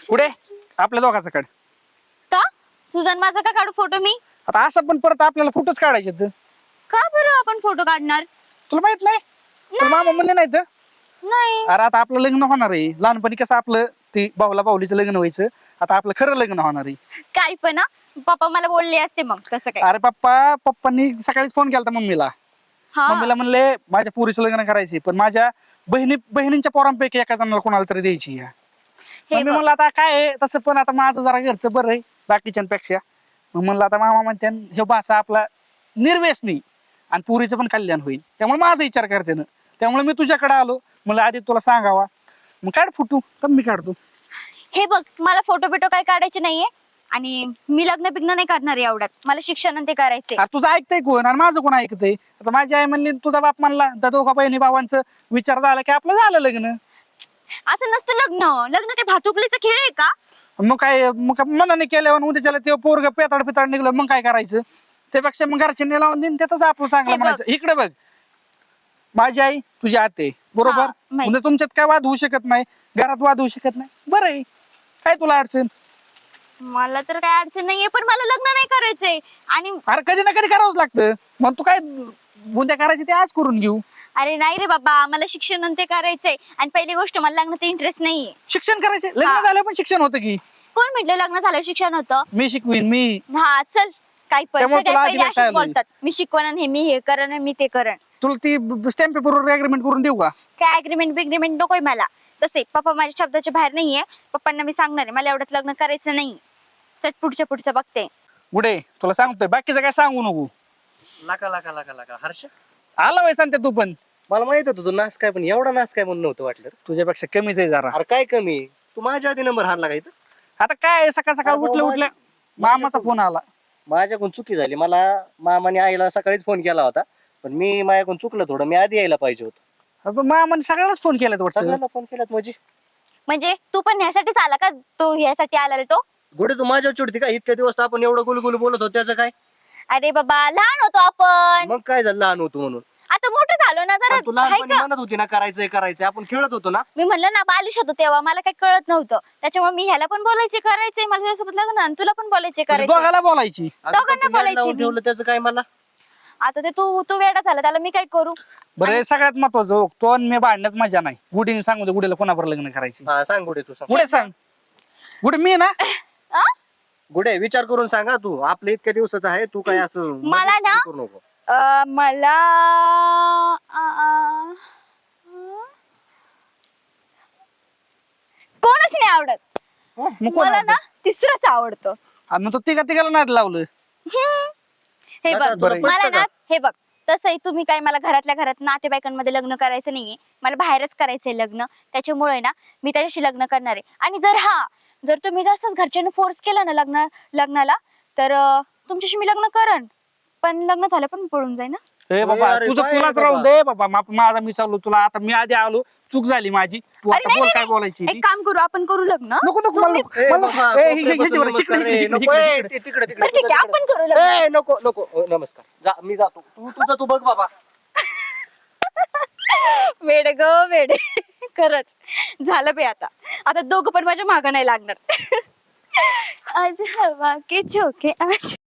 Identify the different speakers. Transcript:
Speaker 1: पुढे आपल्या दोघाचा काढ.
Speaker 2: का तुझा आणि माझा का काढू फोटो मी?
Speaker 1: आता असं पण परत आपल्याला फोटोच काढायचे आहेत.
Speaker 2: का बरं आपण फोटो काढणार?
Speaker 1: तुला माहित नाही? तुला मामा म्हणले नाही तर?
Speaker 2: नाही.
Speaker 1: अरे आता आपलं लग्न होणार आहे. लहानपणी कसं आपलं ती भाऊला भाऊलीचं लग्न व्हायचं, आता आपलं खरं लग्न होणार आहे.
Speaker 2: काय पण पप्पा मला बोलले असते मग तसं काय.
Speaker 1: अरे पप्पांनी सकाळीच फोन केला मम्मीला.
Speaker 2: हा
Speaker 1: मम्मीला म्हणले माझ्या पुरीचं लग्न करायचे, पण माझ्या बहिणींच्या पोरांपैकी एका जणाला कोणाला तरी द्यायची आहे.
Speaker 2: हे
Speaker 1: मम्मी
Speaker 2: बघ,
Speaker 1: म्हणलं आता काय आहे, तसं पण आता माझं जरा घरचं बरं आहे बाकीच्यांपेक्षा. मग म्हणलं आता मामा म्हणते हे बासा आपला निर्व्यसनी आणि पुरीचं पण कल्याण होईल, त्यामुळे माझा विचार करते ना. त्यामुळे मी तुझ्याकडे आलो, म्हणलं आधी तुला सांगावा. मग काढ फोटो तर मी काढतो.
Speaker 2: हे बघ मला फोटो बिटो काय काढायचे नाहीये आणि मी लग्न बिग्न नाही करणार एवढ्यात. मला शिक्षण आणि ते करायचे.
Speaker 1: अरे तुझं ऐकतंय कोण आणि माझं कोण ऐकतंय? आता माझी आई म्हणली तुझा बाप म्हणला, त्या दोघा बहिणी भावांचं विचार झाला की आपलं झालं लग्न.
Speaker 2: असं नसतं लग्न. लग्न ते भातुकलीचा खेळ आहे का?
Speaker 1: मग मनाने केल्यावर उद्याच्याला ते पोरग पेताड पिताड निघलं, मग काय करायचं? त्यापेक्षा मग घरच्यांनी लावून देईन, त्यातच आपलं चांगलं
Speaker 2: हे बघ.
Speaker 1: म्हणायचं. इकडे बघ, माझी आई तुझी आते बरोबर.
Speaker 2: हा, माहित.
Speaker 1: म्हणजे तुमच्यात काय वाद होऊ शकत नाही, घरात वाद होऊ शकत नाही. बरं आहे, काय तुला अडचण?
Speaker 2: मला तर काय अडचण नाहीये, पण मला लग्न नाही करायचंय. आणि
Speaker 1: अरे कधी ना कधी करावंच लागतं. मग तू काय उद्या करायची ते आज करून घेऊ.
Speaker 2: अरे नाही रे बाबा, मला शिक्षण आणि ते करायचंय. आणि पहिली गोष्ट मला लग्नात इंटरेस्ट नाहीये.
Speaker 1: शिक्षण करायचे, लग्न
Speaker 2: हा.
Speaker 1: झालं पण शिक्षण होतं की.
Speaker 2: कोण म्हटलं लग्न झालं शिक्षण होतं?
Speaker 1: मी शिकवीन मी.
Speaker 2: हा चल, काय पण
Speaker 1: त्यामुळे
Speaker 2: सगळे
Speaker 1: तुला
Speaker 2: पहिले
Speaker 1: आधी
Speaker 2: अशीच
Speaker 1: काय
Speaker 2: बोलतात, मी शिकवण आणि मी हे करण आणि मी ते करण.
Speaker 1: तुला ती स्टॅम्प पेपरवर अग्रीमेंट करून देऊ का?
Speaker 2: काय अग्रीमेंट बिग्रीमेंट नकोय मला. तसे पप्पा माझ्या शब्दाच्या बाहेर नाहीये. पप्पांना मी सांगणार आहे मला एवढ्यात लग्न करायचं नाही. चट पुढच्या बघते.
Speaker 1: पुढे तुला सांगतोय, बाकीचं काय सांगू नको.
Speaker 3: लाका हर्ष,
Speaker 1: आला वय सांगते तू पण.
Speaker 3: मला माहित होतं तू नास काय, पण एवढा नास काय म्हणून नव्हतं वाटलं रे.
Speaker 1: तुझ्यापेक्षा कमीच आहे जरा.
Speaker 3: अरे काय कमी, तू माझ्या आधी नंबर हाणला का इथं?
Speaker 1: आता काय सकाळ सकाळ
Speaker 3: अरे
Speaker 1: उठल्या
Speaker 3: बाबा,
Speaker 1: उठल्या मामाचा फोन आला.
Speaker 3: माझ्याकडून चुकी झाली. मला मामाने आईला सकाळीच फोन केला होता, पण मी माझ्याकडून चुकलं थोडं. मी आधी यायला पाहिजे होतं.
Speaker 1: अबे, मामाने सगळ्यालाच फोन केला वाटतं.
Speaker 3: सगळ्यांना फोन केलात
Speaker 2: म्हणजे तू पण ह्यासाठीच आला का? तो ह्यासाठी आला रे तो?
Speaker 3: घोडे तू माझ्यावर चिडती का? इतक्या दिवस तर आपण एवढं गुलगुल बोलत होतो, त्याचं काय?
Speaker 2: अरे बाबा लहान होतो आपण,
Speaker 3: मग काय झालं लहान होतो म्हणून?
Speaker 2: आता मोठं झालो ना जरा.
Speaker 3: पण तू
Speaker 2: हाय
Speaker 3: लहानपणी
Speaker 2: का?
Speaker 3: म्हणत होती ना करायचंय, आपण खेळत होतो ना.
Speaker 2: मी म्हणलं ना बालिश होतो तेव्हा, मला काही कळत नव्हतं. त्याच्यामुळे मी ह्याला पण बोलायचे करायचंय, मला त्याच्यासोबत लग्न आणि तुला पण बोलायचे
Speaker 1: म्हणजे
Speaker 2: करायचे.
Speaker 1: दोघाला बोलायची.
Speaker 3: आता
Speaker 2: दोघांना
Speaker 3: तू याड
Speaker 2: बोलायची
Speaker 3: लावून
Speaker 2: मी.
Speaker 3: ठेवलं, त्याचं काय मला?
Speaker 2: आता ते तू वेडा झाला, त्याला मी काय करू?
Speaker 1: बरं हे सगळ्यात महत्वाचं हो, तो आणि मी भांडण्यात मजा नाही. गुढीने सांगू दे गुढीला कोणावर लग्न करायची.
Speaker 3: हा सांग गुडे, तू सांग.
Speaker 1: गुढे सांग. गुढे मी ना.
Speaker 2: आ?
Speaker 3: गुडे विचार करून सांगा. तू आपलं इतक्या दिवसाचं आहे, तू काय असं
Speaker 2: मला ना-
Speaker 3: करू नको.
Speaker 2: मला कोणच नाही आवडत.
Speaker 1: मग कोण
Speaker 2: मला ना तिसरंच आवडतं.
Speaker 1: मग तो तिघाला नाही लावलं.
Speaker 2: हे
Speaker 3: आता
Speaker 2: बघ
Speaker 3: तुला
Speaker 1: बरं.
Speaker 2: मला
Speaker 3: पटतं
Speaker 2: ना
Speaker 3: का?
Speaker 2: हे बघ, तसंही तुम्ही काय मला घरातल्या घरात नातेवाईकांमध्ये लग्न करायचं नाहीये. मला बाहेरच करायचंय लग्न. त्याच्यामुळे ना मी त्याच्याशी लग्न करणार आहे. आणि जर तुम्ही जास्तच घरच्यांनी फोर्स केला ना लग्नाला, तर तुमच्याशी मी लग्न करण. पण लग्न झालं पण पळून जाईन ना.
Speaker 1: हे बाबा
Speaker 3: अरे
Speaker 1: तुझं
Speaker 3: काय
Speaker 1: तुलाच
Speaker 3: रे
Speaker 1: राहून
Speaker 3: बाबा?
Speaker 1: दे बाबा. माझा मी चाललो तुला. आता मी आधी आलो, चूक झाली माझी. तू
Speaker 2: अरे
Speaker 1: आता
Speaker 2: नाही,
Speaker 1: बोल
Speaker 2: नाही,
Speaker 1: काय
Speaker 2: नाही.
Speaker 1: बोलायची ती.
Speaker 2: एक काम करू, आपण करू लग्न.
Speaker 1: नको नको
Speaker 2: तुम्ही-
Speaker 1: मला-
Speaker 3: ए,
Speaker 1: मला-
Speaker 3: बाबा,
Speaker 1: ए,
Speaker 3: कोपऱ्यापासून
Speaker 1: ह्याच्यावर,
Speaker 3: नमस्कार
Speaker 1: इकडे,
Speaker 3: रे.
Speaker 1: इकडे,
Speaker 3: नको,
Speaker 1: इकडे,
Speaker 3: ए,
Speaker 1: इकडे.
Speaker 3: तिकडे
Speaker 2: बरं ठीक आहे, आपण करू लग्न.
Speaker 3: ए, नको नमस्कार. जा, मी जातो. तू तुझं तू बघ बाबा.
Speaker 2: वेडे ग वेडे. खरंच झालं बे. आता दोघं पण माझ्या मागं नाही लागणार. आज हवा के झोके आज